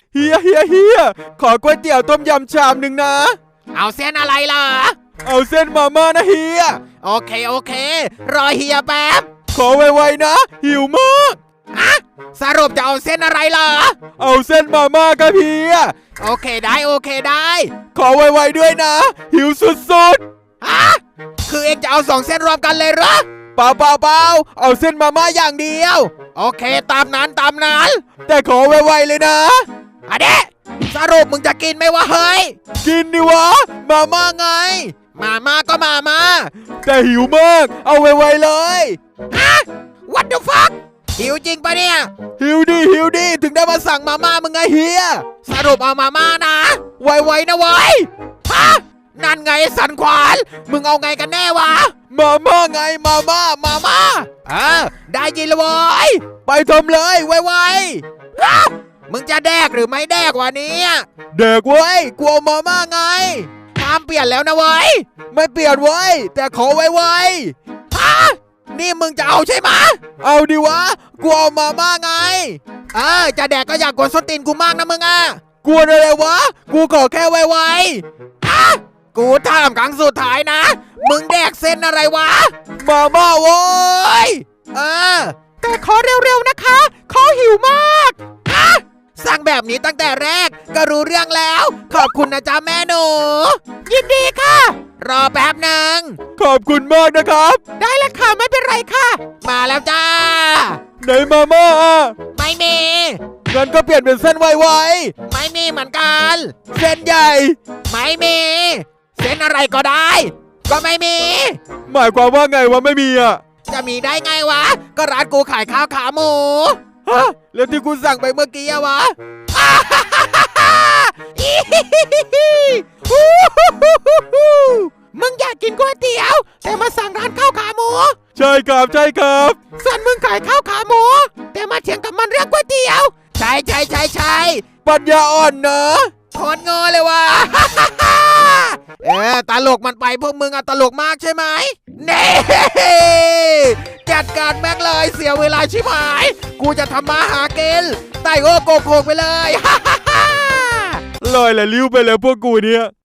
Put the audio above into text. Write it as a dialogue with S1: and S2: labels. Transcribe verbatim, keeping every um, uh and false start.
S1: เฮียเฮียเฮียขอก๋วยเตี๋ยวต้มยำชามหนึ่งนะ
S2: เอาเส้นอะไรล่ะ
S1: เอาเส้นมาม่านะเฮีย
S2: โอเคโอเครอเฮียแป๊บ
S1: ขอไวๆนะหิวมาก
S2: อะสรุปจะเอาเส้นอะไรล่ะ
S1: เอาเส้นมาม่าครับเฮีย
S2: โอเคได้โอเคได้
S1: ขอไวๆด้วยนะหิวสุด
S2: ๆอะคือเองจะเอาสองเส้นรวมกันเลยเหรอ
S1: เปล่าเปล่าเปล่าเอาเส้นมาม่าอย่างเดียว
S2: โอเคตามนั้นตามนั้น
S1: แต่ขอไวๆเลยนะ
S2: อะเดะสรุปมึงจะกินไหมวะเฮ้ย
S1: กินดิวะมาม่าไง
S2: มาม่าก็มาม่า
S1: แต่หิวมากเอาไวๆเลย
S2: ฮะ What the fuck หิวจริงปะเนี่ย
S1: หิวดิหิวดิถึงได้มาสั่งมาม่ามึงไงเฮีย
S2: สรุปเอามาม่านะไวๆนะเว้ยฮะนั่นไงสันขวานมึงเอาไงกันแน่วะ
S1: มาม่าไงมาม่ามาม่า
S2: เออได้ยินแล้วเว้ย
S1: ไปทำเลยไว
S2: ๆฮะมึงจะแดกหรือไม่แดกวะเนี่ย
S1: แดกเว้ยกลัวมาม่าไง
S2: ห้ามเปลี่ยนแล้วนะเว้ย
S1: ไม่เปลี่ยนเว้ยแต่ขอไว
S2: ๆฮะนี่มึงจะเอาใช่ไหม
S1: เอาดิวะกลัวมาม่าไง
S2: เออจะแดกก็อยากกดส้นตีนกูมากนะมึงอ่ะ
S1: กลัวอะไรวะกูขอแค่ไว
S2: ๆฮะกูถามครั้งสุดท้ายนะมึงแดกเส้นอะไรวะ
S1: มาม่าโว้ย
S2: เออแต่ขอเร็วๆนะคะขอหิวมากฮะสั่งแบบนี้ตั้งแต่แรกก็รู้เรื่องแล้วขอบคุณนะจ๊ะแม่หนูยินดีค่ะรอแป๊บหนึ่ง
S1: ขอบคุณมากนะครับ
S2: ได้แล้วค่ะไม่เป็นไรค่ะมาแล้วจ้า
S1: ไหนมาม่า
S2: ไม่มี
S1: งั้นก็เปลี่ยนเป็นเส้นไว
S2: ๆไม่มีเหมือนกัน
S1: เส้นใหญ่
S2: ไม่มีเส้นอะไรก็ได้ก็ไม่มี
S1: หมายความว่าไงวะไม่มีอ่ะ
S2: จะมีได้ไงวะก็ร้านกูขายข้าวขาหมู
S1: ฮะแล้วที่กูสั่งไปเมื่อกี้อะวะ
S2: มึงอยากกินก๋วยเตี๋ยวแต่มาสั่งร้านข้าวขาหมู
S1: ใช่ครับใช่ครับ
S2: ส่วนมึงขายข้าวขาหมูแต่มาเถียงกับมันเรื่องก๋วยเตี๋ยวใช่ใช่ใช่ใช่
S1: ปัญญาอ่อนเนอะ
S2: โคตรงอเลยว่ะเออตลกมันไปพวกมึงอะตลกมากใช่ไหมเน่จัดการแม่งเลยเสียเวลาชิบหายกูจะทำมาหากินไต่โอโกโคกไปเลย
S1: ลอยละลิ้วไปแล้วพวกกูเนี่ย